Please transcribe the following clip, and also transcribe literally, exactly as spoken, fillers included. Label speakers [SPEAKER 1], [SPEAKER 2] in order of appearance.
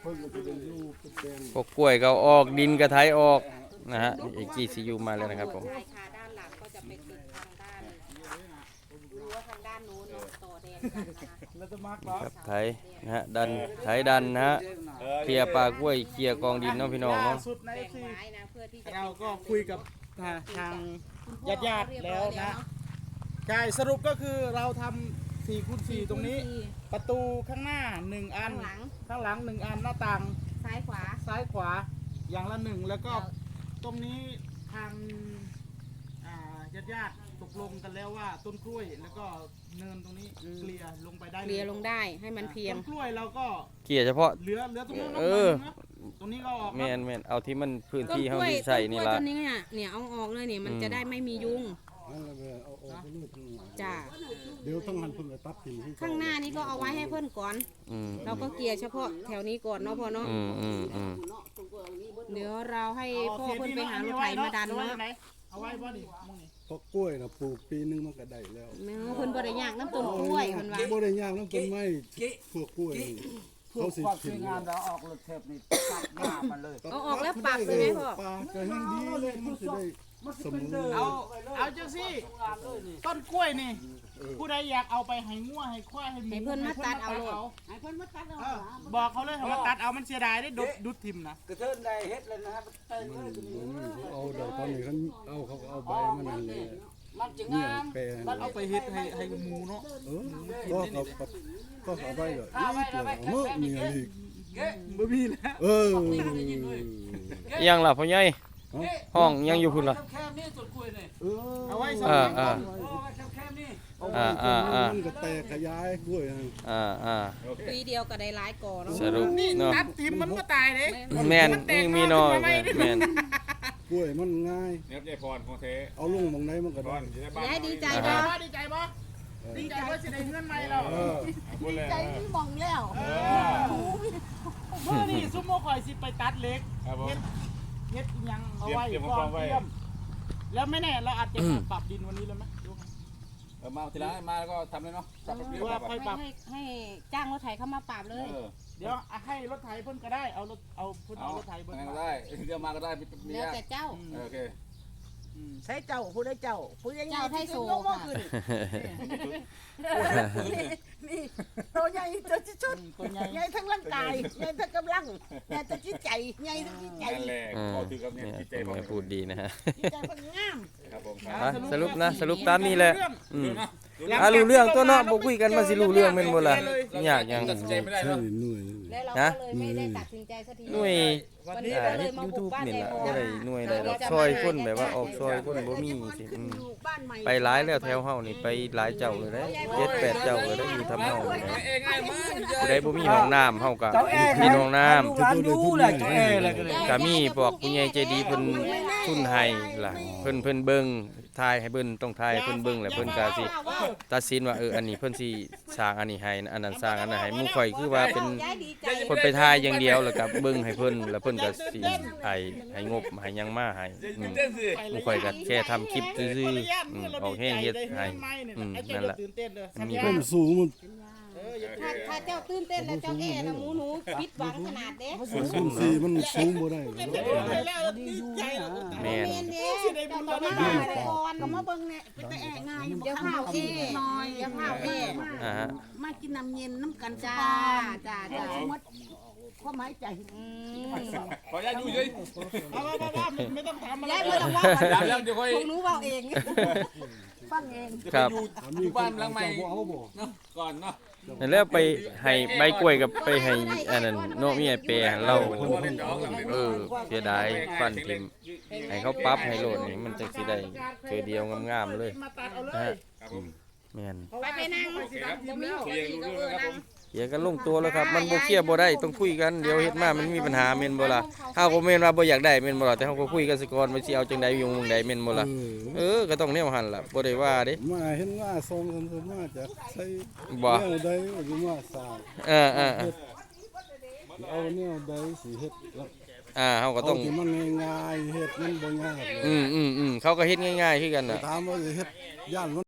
[SPEAKER 1] พวกกล้วยก็ออกดินกระไถออกนะฮะเอจีซียูมาแล้วนะครับผม
[SPEAKER 2] ใช่ค่ะด้านหลังก็จะไปติดทางด้านรั้วทางด้านโน้นต่อแดนกันนะคะ
[SPEAKER 1] ครับไถนะฮะดันไถดันนะฮะเคลียร์ปลากล้วยเคลียร์กองดินเนาะพี่น้องเนาะ
[SPEAKER 3] สุดใน
[SPEAKER 2] แบ่ง
[SPEAKER 3] ที่
[SPEAKER 2] ไม้นะเพื่อที่จะ
[SPEAKER 3] เราก็คุยกับทางญาติญาติแล้วนะใช่สรุปก็คือเราทำสี่คูณสี่ตรงนี้ประตูข้างหน้าหนึ่งอัน
[SPEAKER 2] ข้างหลัง
[SPEAKER 3] ข้างหลังหนึ่งอันหน้าต่าง
[SPEAKER 2] ซ้ายขวา
[SPEAKER 3] ซ้ายขวาอย่างละหนึ่งแล้วก็ตรงนี้ทางญาติญาติตกลงกันแล้วว่าต้นกล้วยแล้วก็เนินตรงนี้เคลียร์ลงไปได้
[SPEAKER 2] เคลียร์ลงได้ให้มันเพียง
[SPEAKER 3] ต้นกล้วยเราก็
[SPEAKER 1] เคลียร์เฉพาะ
[SPEAKER 3] เหลือเหลือตรงนู้น
[SPEAKER 1] เออ
[SPEAKER 3] ตรงนี้ก็ออก
[SPEAKER 1] แมนแมนเอาที่มันพื้น
[SPEAKER 2] ต้น
[SPEAKER 1] ที่
[SPEAKER 2] ก
[SPEAKER 1] เฮา
[SPEAKER 2] ล้วย
[SPEAKER 1] ที่
[SPEAKER 2] ต้
[SPEAKER 1] ใส่
[SPEAKER 2] นกล้
[SPEAKER 1] นี่
[SPEAKER 2] วย
[SPEAKER 1] ละ
[SPEAKER 2] ต้นนี้เนี่ยเนี่ยเอาออกเลยเนี่ยมันจะได้ไม่มียุงจ้า
[SPEAKER 4] เดี๋ยวต้องหันเพิ่งไปตัดทิ้ง
[SPEAKER 2] ข้างหน้านี้ก็เอาไว้ให้เพื่อนก่อน
[SPEAKER 1] อืม
[SPEAKER 2] เราก็เกลียร์เฉพาะแถวนี้ก่อนเนาะพ่อเนาะ
[SPEAKER 1] อืมอืมอืม
[SPEAKER 2] เดี๋ยวเราให้พ่อเพื่อนไปหารถไถมาดันเนาะ
[SPEAKER 3] เอาไว้บ่ดิมึงนี่
[SPEAKER 4] เพราะกล้วยนะปลูกปีนึงมันก็ได้แล้ว
[SPEAKER 2] แม่เพื่อนบ่ได้ยากน้ำต้นกล้วยเพิ่นว่า
[SPEAKER 4] บ่ได้ยากน้ำต้นไม้พวกกล้วยนี่
[SPEAKER 5] เพื่อ
[SPEAKER 4] เขาสิ
[SPEAKER 5] ความส
[SPEAKER 4] ถิ่
[SPEAKER 5] วย
[SPEAKER 4] น
[SPEAKER 5] งามเราออกรถเทปนี่ตัดหน้ามันเลย
[SPEAKER 2] เอาออกแล้วปรับเลยไหมพ่อ
[SPEAKER 4] ปลาก็แห้งดีเลยมันสิได้เสมอ
[SPEAKER 3] เอาเอาจังสิต้นกล้วยนี่ผู้ใดอยากเอาไปให้งัวให้ควายให้หมู
[SPEAKER 2] ให้เพิ่นมาตัดเอาโลด
[SPEAKER 3] ให้เพิ่นมาตัดเอาบอกเขาเลยให้มาตัดเอามันเสียดายได้ดุดดุดทิมนะ
[SPEAKER 5] กระเทินได้เฮ็ดเลยนะครับเติมเลย
[SPEAKER 4] เอาเดี๋ยวตอนนี้เขาเอาเขาก็เอาใบมันนั่นแหละ
[SPEAKER 5] มันจะ
[SPEAKER 4] เนี่ย
[SPEAKER 5] งาม
[SPEAKER 4] แปลง
[SPEAKER 3] มันเอาไปเฮ็ดให้ให้หมูเนาะ
[SPEAKER 4] เออก็เขาก็เขาใบก็อีกเลยเมื่อมีอะไรอีก
[SPEAKER 3] บ่มีแล้ว
[SPEAKER 4] เออ
[SPEAKER 1] ยังล่ะพ่อใหญ่ห้องยังอยู่พุ่นล่ะ
[SPEAKER 5] แคบๆนี่ต้นกล้วยนี่
[SPEAKER 4] เออ
[SPEAKER 3] เอาไว้สำ
[SPEAKER 1] อ่า
[SPEAKER 3] หรับ
[SPEAKER 1] อ่า
[SPEAKER 5] โอ้แคบๆนี่
[SPEAKER 1] อ่าอ่าอ่า
[SPEAKER 4] มันก็แตกขยายกล้วยนะ
[SPEAKER 1] อ่าอ่า
[SPEAKER 2] ปีเดียวก็ได้หลายก่อเนาะ
[SPEAKER 1] สรุป
[SPEAKER 3] นี่
[SPEAKER 1] เนาะ
[SPEAKER 3] ตัดทิมมันก็ตายเด้
[SPEAKER 1] แมนนี่มีน้อยแมน
[SPEAKER 4] กล้วยมันง่าย
[SPEAKER 6] เนี่ยยายพรของเท
[SPEAKER 4] เอาลงตรงไหนมันก็
[SPEAKER 6] พ
[SPEAKER 4] ได้
[SPEAKER 6] รอยู่ในบ้าน
[SPEAKER 2] ยายดีใจ
[SPEAKER 3] ดีใจ
[SPEAKER 2] บ่
[SPEAKER 3] บ่ดีใจบ่ดีใจว่าสิได้เงินใหม่เรา
[SPEAKER 4] เออ
[SPEAKER 6] พูดเลย
[SPEAKER 2] ใจพี่มองแล้ว
[SPEAKER 3] เออเมื่อนี่ซุมโมข่อยสิไปตัดเล็ก
[SPEAKER 6] ครับผม
[SPEAKER 3] เฮ็ดเฮ็ดอิหยังเอาไว้
[SPEAKER 6] เตรียม
[SPEAKER 3] ก่อน
[SPEAKER 6] เตรียมของไว้
[SPEAKER 3] เตรียมแล้วไม่แน่เราอาจจะมาปรับดินวันนี้เลยไหมดูไหม
[SPEAKER 6] เออมาทีหลังมาแล้วก็ทำเลยเนาะปรับปรับ
[SPEAKER 3] ห
[SPEAKER 6] เรี
[SPEAKER 3] รื
[SPEAKER 6] ย
[SPEAKER 3] อบ ว่า
[SPEAKER 6] ปรับ
[SPEAKER 3] ค่อยปรับ
[SPEAKER 2] ให้ให้จ้างรถไถเข้ามาปราบเลย
[SPEAKER 6] เออ
[SPEAKER 3] เดี๋ยวให้รถไถเพิ่นก็ได้เอารถเอาเพิ่น
[SPEAKER 6] เอา
[SPEAKER 3] เอารถไถเพิ่น
[SPEAKER 6] ไงก็ได้เดี๋ยวมาก็ได้มีมี
[SPEAKER 2] แล้ว
[SPEAKER 6] ยาก
[SPEAKER 2] แต่เจ้า
[SPEAKER 6] เออโอเค
[SPEAKER 7] ใช้เจ้าผู้ได้เจ้าผู้ยัง
[SPEAKER 2] เจ้าไทยโซ่
[SPEAKER 7] ยกมือขึ้นนี่ตัวใหญ่ตัวที่สุด
[SPEAKER 3] ตัวใหญ่
[SPEAKER 7] ใหญ่ทั้งร่างกายใหญ่ทั้งกำลังใหญ่ทั้งจิตใจใหญ่ทั้งจิตใจ
[SPEAKER 6] นั่นแหละ
[SPEAKER 1] อ่า
[SPEAKER 6] ขอถือกับเนี่ย
[SPEAKER 1] เนี่ย
[SPEAKER 6] จิตใจ
[SPEAKER 1] ผม
[SPEAKER 6] ผม
[SPEAKER 1] ก็พูดดีนะฮะ
[SPEAKER 7] จิตใจมันงาม
[SPEAKER 6] ครับผม
[SPEAKER 1] อ่ะสรุปนะสรุปตามนี้แหละอืม
[SPEAKER 6] ดู
[SPEAKER 1] อ่ะรู้เรื่องตัวเนาะบ่คุยกันมาสิรู้เรื่องแม่นบ่ล่ะยากหยัง
[SPEAKER 6] ตัดสินใจไม่ได้
[SPEAKER 4] ใช่
[SPEAKER 6] เนาะ
[SPEAKER 4] หน่วย
[SPEAKER 2] แล้วเรา
[SPEAKER 1] ฮะ
[SPEAKER 2] ก็เลยไม่ได้ตัดสินใจสักที
[SPEAKER 1] หน่วย
[SPEAKER 2] วันนี้
[SPEAKER 1] อ่า
[SPEAKER 2] เราเล
[SPEAKER 1] เฮ็
[SPEAKER 2] ย
[SPEAKER 1] ด
[SPEAKER 2] มาบุก
[SPEAKER 1] YouTube
[SPEAKER 2] บ้าน
[SPEAKER 1] นี่
[SPEAKER 2] ใน
[SPEAKER 1] ล่ะ
[SPEAKER 2] โม
[SPEAKER 1] บ่ได้หน่วยใดดอกซอยคนแบบว่าออกซอยคนบ่มีสิอืม
[SPEAKER 7] อยู่บ้านใหม่
[SPEAKER 1] ไปหลายแล้วแถวเฮานี่ไปหลายเจ้าเลยเด้เจ็ดแปดเจ้าเลยเด้อยู่ทำเฮานี่นะ
[SPEAKER 6] เองง่ายมาก
[SPEAKER 1] ผู้ใดบ่มีห้องน้ำเฮาก็มีห้องน้ำ
[SPEAKER 5] ลูกหลานดูแหละเจ้าแออะไรกันเลย
[SPEAKER 1] ก็มีพวกผู้ใหญ่ใจดีเพิ่นทุนให้ล่ะเพิ่นเพิ่นเบิ่งทายให้เบิ่นต้องทายให้เพิ่นเบิ่งแล้วเพิ่นก็สิตัดสินว่าเอออันนี้เพิ่นสิสร้างอันนี้ให้อันนั้นสร้างอันนั้นให้หมู่ข่อยคือว่าเป็น
[SPEAKER 2] ยายดีใจ
[SPEAKER 1] เพิ่นไปทายอย่างเดียวแล้วก็เบิ่งให้เพิ่นแล้วเพิ่นก็สิให้ให้งบให้หยังมาให้อืม
[SPEAKER 6] เต้นสิ
[SPEAKER 1] หมู่ข่อยก็แค่ทำคลิปซื่อๆอืมออกแห้งเฮ็ดให้อืมนั่นแหละ
[SPEAKER 3] ตื่นเต้นเลย
[SPEAKER 1] มันมี
[SPEAKER 4] เพิ่มสูงมัน
[SPEAKER 3] เอออย่า
[SPEAKER 2] ถ้าถ้าเจ้าตื่นเต้นแล้วเจ้าแอ่นะหมูหนูผิดหวังขนาดเด้
[SPEAKER 4] สูงสี่มันสูงบ่ได้
[SPEAKER 3] ตื่นเต้นเลยแล้วดีใจแล้ว
[SPEAKER 1] แม่น
[SPEAKER 2] เมนเด้เจ้าต้องมาแต่ก่อน
[SPEAKER 7] ก็มาเบิ่งเนี่ยเป็นแต่แอะง่ายอยู่
[SPEAKER 2] เดี๋ยวข้าวเอ้น้อยเดี๋ยวข้าวเอ้
[SPEAKER 1] อ่าฮะ
[SPEAKER 7] มากินน้ำเย็นน้ำกัน
[SPEAKER 2] จ้าจ้าจ้า
[SPEAKER 7] หมดความหมายใจ
[SPEAKER 2] อืม
[SPEAKER 6] ขออนุญาตอยู่เฉย
[SPEAKER 3] เอาเอาเอาเอาไม่ต้องทำอะไร
[SPEAKER 2] ยายไม่ต้องว่า
[SPEAKER 6] เดี๋ยวเดี๋ยวค่อย
[SPEAKER 2] พวกหนูเว้าเอง
[SPEAKER 7] ฟังเอง
[SPEAKER 1] ครับ
[SPEAKER 6] อยู่อยู่บ้านหลังใหม่เนาะก่อนเนาะ
[SPEAKER 1] นั่นแล้วไปให้ใบกล้วยกับไปให้อันนั้นเนาะมีไอ้เปรให้เราเออเสียดายฟันทิ่มให้เขาปรั๊บให้โลดนี่มันจังสิได้เทื่อเดียวงามๆเลย
[SPEAKER 3] มาตัดเอาเล
[SPEAKER 1] นะ
[SPEAKER 3] ย
[SPEAKER 1] ฮะ
[SPEAKER 6] ครับผม
[SPEAKER 1] แม่น
[SPEAKER 2] ไปไปนั่งบ่มีหัวอีกก็เออนั่ง
[SPEAKER 1] เขียร์กันลงตัวแล้วครับมันบ่เคลียร์บ่ได้ต้องคุยกันเดี๋ยวเฮ็ดมามันมีปัญหาแม่นบ่ล่ะเฮาก็แม่นว่าบ่อยากได้แม่นบ่ล่ะแต่เฮาก็คุยกันซะก่อนว่าสิเอาจังใดอยู่วงใดแม่นบ่ล่ะเออก็ต้องแนวหั่นล่ะบ่ได้ว่าเด้
[SPEAKER 4] มาเห็นว่าทรงกันสมาจากใช้
[SPEAKER 1] บ่
[SPEAKER 4] แนวใดหรือว่าสร้าง
[SPEAKER 1] เออเออเออ
[SPEAKER 4] เอาแนวใดสิเฮ็ดแล้ว
[SPEAKER 1] อ่าเฮาก็
[SPEAKER 4] เอา
[SPEAKER 1] ต้อง
[SPEAKER 4] ที่มันง่ายๆเฮ็ดมันบ่ยาก
[SPEAKER 1] อืมอืมอืมเขาก็เฮ็ดง่ายๆคือกันน่ะ
[SPEAKER 4] ถามว่าสิเฮ็ดย่าน